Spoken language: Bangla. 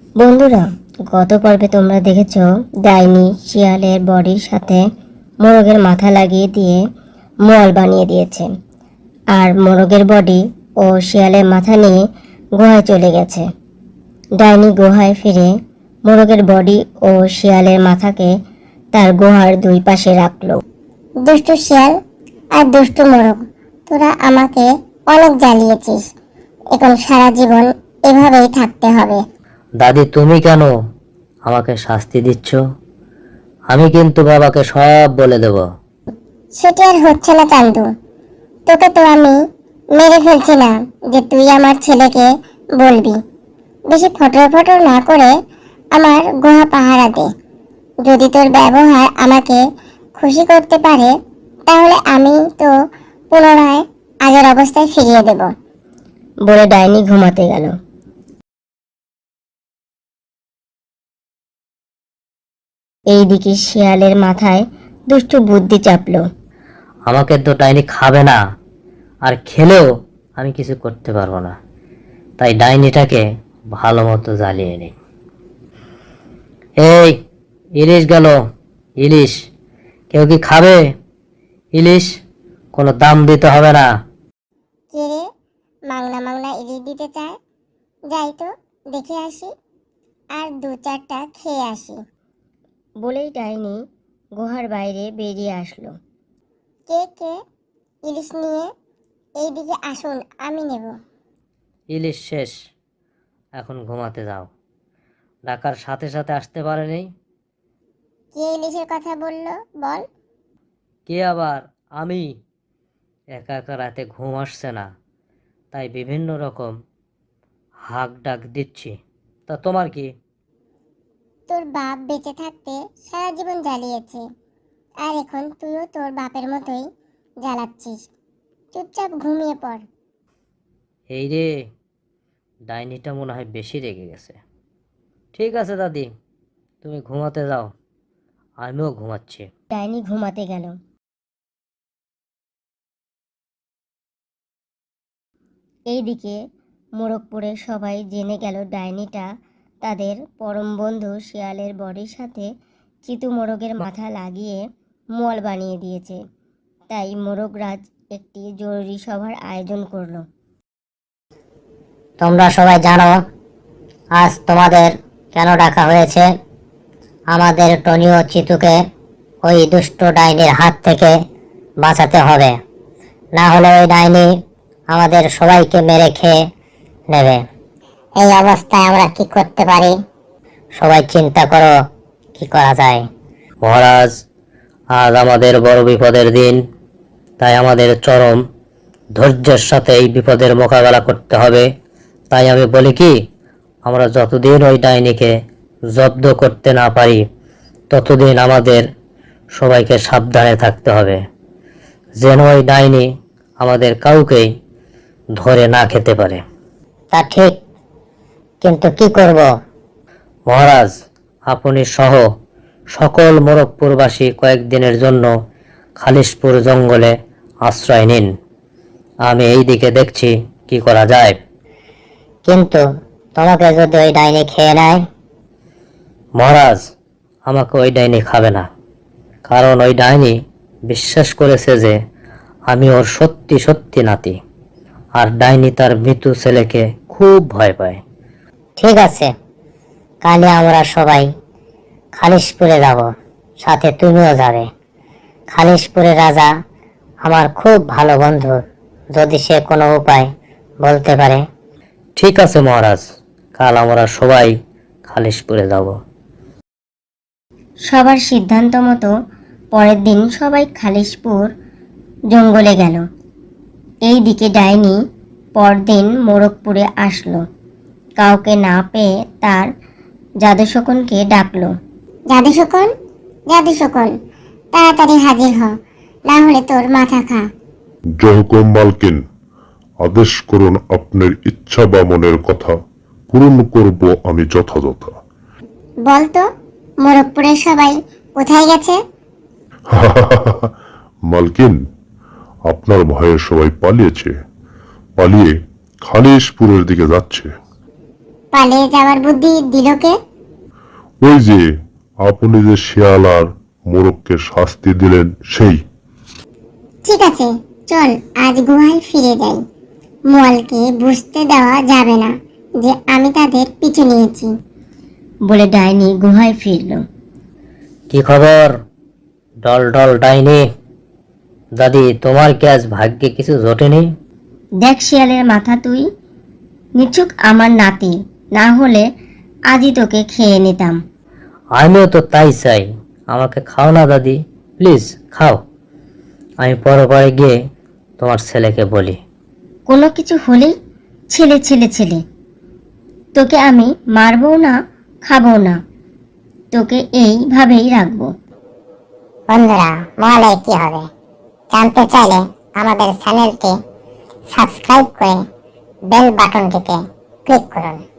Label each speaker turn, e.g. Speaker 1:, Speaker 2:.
Speaker 1: বন্ধুরা, গত পর্বে তোমরা দেখেছ ডাইনি শিয়ালের বডির সাথে মোরগের মাথা লাগিয়ে দিয়ে মল বানিয়ে দিয়েছে, আর মোরগের বডি ও শিয়ালের মাথা নিয়ে গুহায় চলে গেছে। ডাইনি গুহায় ফিরে মোরগের বডি ও শিয়ালের মাথাকে তার গুহার দুই পাশে রাখলো।
Speaker 2: দুষ্টু শিয়াল আর দুষ্টু মোরগ, তোরা আমাকে অনেক জ্বালিয়েছিস। এখন সারা জীবন এভাবেই থাকতে হবে।
Speaker 3: দাদি, তুমি কেন আমাকে শাস্তি দিচ্ছ? আমি কিন্তু বাবাকে সব বলে দেব।
Speaker 2: সেটা আর হচ্ছে না চান্দু, তোকে তো আমি মেরে ফেলছি না যে তুই আমার ছেলেকে বলবি। বেশি ফটর ফটর না করে আমার গুহা পাহারা দে। যদি তোর ব্যবহার আমাকে খুশি করতে পারে তাহলে আমি তো পুনরায় আগের অবস্থায় ফিরিয়ে দেব।
Speaker 1: বলে ডাইনি ঘুমাতে গেল। এইদিকে শিয়ালের মাথায় দুষ্টু বুদ্ধি চাপলো।
Speaker 3: আমাকে তো ডাইনি খাবে না, আর খেলেও আমি কিছু করতে পারবো না। তাই ডাইনিটাকে ভালো মতো জ্বালিয়ে নিই। এই ইলিশ গেল, ইলিশ কেউ কি খাবে? ইলিশ কোনো দাম দিতে হবে না।
Speaker 2: কে রে, মাংনা মাংনা ইলিশ দিতে চায়? যাই তো দেখে আসি, আর দু চারটা খেয়ে আসি।
Speaker 1: বলেই ডাইনি গুহার বাইরে বেরিয়ে আসলো।
Speaker 2: কে কে ইলিশ নিয়ে এইদিকে আসুন, আমি নেব।
Speaker 3: ইলিশ শেষ, এখন ঘুমাতে যাও। ডাকার সাথে সাথে আসতে পারেনি।
Speaker 2: কে ইলিশের কথা বললো বল?
Speaker 3: কে আবার? আমি। একা একা রাতে ঘুম আসছে না, তাই বিভিন্ন রকম হাঁক ডাক দিচ্ছি। তা তোমার কি?
Speaker 2: তোর বাপ বেঁচে থাকতে সারা জীবন জ্বালিয়েছে, আর এখন তুইও তোর বাপের মতোই জ্বালাচ্ছিস। চুপচাপ ঘুমিয়ে পড়।
Speaker 3: এই রে, ডাইনিটা মনে হয় বেশি রেগে গেছে। ঠিক আছে দাদি, তুমি ঘুমাতে যাও, আমিও ঘুমাচ্ছি।
Speaker 1: ডাইনি ঘুমাতে গেল। এইদিকে মোরগপুরের সবাই জেনে গেল ডাইনিটা তাদের পরম বন্ধু শিয়ালের বডির সাথে চিতু মোরগের মাথা লাগিয়ে মল বানিয়ে দিয়েছে। তাই মোরগরাজ একটি জরুরি সভার আয়োজন করলো।
Speaker 4: তোমরা সবাই জানো আজ তোমাদের কেন ডাকা হয়েছে। আমাদের টনিও চিতুকে ওই দুষ্ট ডাইনির হাত থেকে বাঁচাতে হবে, না হলে ওই ডাইনি আমাদের সবাইকে মেরে খেয়ে নেবে। এই অবস্থায় আমরা কি করতে পারি? সবাই চিন্তা করো কি করা যায়।
Speaker 3: মহারাজ, আজ আমাদের বড় বিপদের দিন, তাই আমাদের চরম ধৈর্যের সাথে এই বিপদের মোকাবেলা করতে হবে। তাই আমি বলি কি, আমরা যতদিন ওই ডাইনিকে জব্দ করতে না পারি ততদিন আমাদের সবাইকে সাবধানে থাকতে হবে, যেন ওই ডাইনি আমাদের কাউকেই ধরে না খেতে পারে।
Speaker 4: তা ঠিক, কিন্তু কি করব?
Speaker 3: মহারাজ, আপনি সহ সকল মোরগপুরবাসী কয়েকদিনের জন্য খালিশপুর জঙ্গলে আশ্রয় নিন। আমি এই দিকে দেখছি কি করা যায়।
Speaker 4: কিন্তু তোমাকে যদি ওই ডাইনি খেয়ে নেয়?
Speaker 3: মহারাজ, আমাকে ওই ডাইনি খাবে না, কারণ ওই ডাইনি বিশ্বাস করেছে যে আমি ওর সত্যি সত্যি নাতি, আর ডাইনি তার মৃত্যু ছেলেকে খুব ভয় পায়।
Speaker 4: ঠিক আছে, কালে আমরা সবাই খালিশপুরে যাব, সাথে তুমিও যাবে। খালিশপুরের রাজা আমার খুব ভালো বন্ধু, যদি সে কোনো উপায় বলতে পারে।
Speaker 3: ঠিক আছে মহারাজ, কাল আমরা সবাই খালিশপুরে যাব।
Speaker 1: সবার সিদ্ধান্ত মতো পরের দিন সবাই খালিশপুর জঙ্গলে গেল। এইদিকে ডাইনি পরদিন মোরগপুরে আসলো। কাউকে না পেয়ে তার জাদুশকুনকে ডাকলো।
Speaker 2: জাদু শকুন, জাদু শকুন, তাড়াতাড়ি হাজির হ, না হলে তোর মাথা খা।
Speaker 5: জহকম মালকিন, আদেশ করুন, আপনার ইচ্ছা বা মনের কথা পূরণ করব আমি যথাযথ।
Speaker 2: বল তো, মোরগপুরের সবাই কোথায় গেছে?
Speaker 5: মালকিন, আপনার ভয়ে সবাই পালিয়ে খালিশপুরের দিকে যাচ্ছে।
Speaker 2: পালিয়ে যাওয়ার বুদ্ধি দিল কে?
Speaker 5: ওই যে আপনি যে শিয়াল আর মোরগকে শাস্তি দিলেন সেই।
Speaker 2: ঠিক আছে, চল আজ গুহায় ফিরে যাই। মোয়ালকে বুঝতে দেওয়া যাবে না যে আমি তাদের পিছু নিয়েছি।
Speaker 1: বলে ডাইনি গুহায় ফিরল।
Speaker 3: কি খবর ডল ডল ডাইনি? দাদি, তোমার কি আজ ভাগ্যে কিছু জোটেনি?
Speaker 1: দেখ শিয়ালের মাথা, তুই নিছুক আমার নাতি, না হলে আজই তোকে খেয়ে নিতাম।
Speaker 3: আমিও তো তাই চাই। আমাকে খাও না দাদি, প্লিজ খাও। আমি পরে পরে গিয়ে তোমার ছেলেকে বলি।
Speaker 1: কোনো কিছু হলেই ছেলে ছেলে ছেলে, তোকে আমি মারবো না, খাবো না, তোকে এইভাবেই রাখবো।
Speaker 2: বন্ধুরা, মোয়ালের কি হবে জানতে চাইলে আমাদের চ্যানেলটি সাবস্ক্রাইব করে বেল বাটনটিতে ক্লিক করুন।